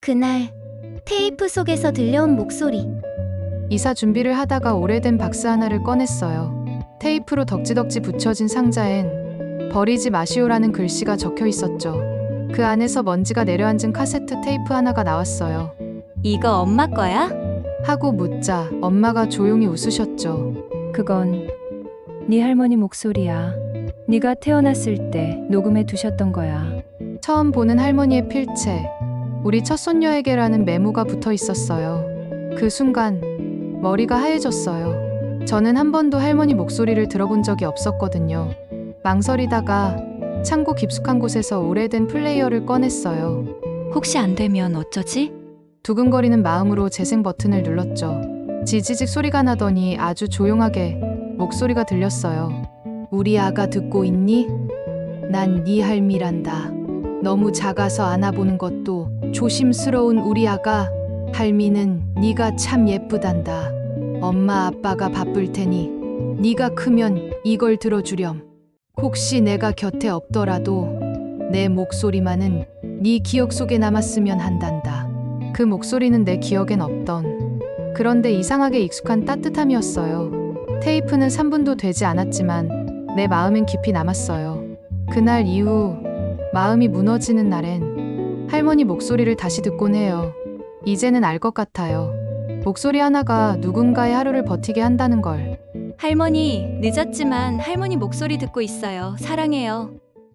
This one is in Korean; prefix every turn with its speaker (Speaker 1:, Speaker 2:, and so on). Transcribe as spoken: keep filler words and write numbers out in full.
Speaker 1: 그날 테이프 속에서 들려온 목소리.
Speaker 2: 이사 준비를 하다가 오래된 박스 하나를 꺼냈어요. 테이프로 덕지덕지 붙여진 상자엔 버리지 마시오라는 글씨가 적혀 있었죠. 그 안에서 먼지가 내려앉은 카세트 테이프 하나가 나왔어요.
Speaker 1: 이거 엄마 거야?
Speaker 2: 하고 묻자 엄마가 조용히 웃으셨죠.
Speaker 3: 그건 네 할머니 목소리야. 네가 태어났을 때 녹음해 두셨던 거야.
Speaker 2: 처음 보는 할머니의 필체, 우리 첫 손녀에게라는 메모가 붙어 있었어요. 그 순간 머리가 하얘졌어요. 저는 한 번도 할머니 목소리를 들어본 적이 없었거든요. 망설이다가 창고 깊숙한 곳에서 오래된 플레이어를 꺼냈어요.
Speaker 1: 혹시 안 되면 어쩌지?
Speaker 2: 두근거리는 마음으로 재생 버튼을 눌렀죠. 지지직 소리가 나더니 아주 조용하게 목소리가 들렸어요. 우리 아가 듣고 있니? 난 네 할미란다. 너무 작아서 안아보는 것도 조심스러운 우리 아가. 할미는 네가 참 예쁘단다. 엄마 아빠가 바쁠 테니 네가 크면 이걸 들어주렴. 혹시 내가 곁에 없더라도 내 목소리만은 네 기억 속에 남았으면 한단다. 그 목소리는 내 기억엔 없던, 그런데 이상하게 익숙한 따뜻함이었어요. 테이프는 삼 분도 되지 않았지만 내 마음엔 깊이 남았어요. 그날 이후 마음이 무너지는 날엔 할머니 목소리를 다시 듣곤 해요. 이제는 알 것 같아요. 목소리 하나가 누군가의 하루를 버티게 한다는 걸.
Speaker 1: 할머니, 늦었지만 할머니 목소리 듣고 있어요. 사랑해요.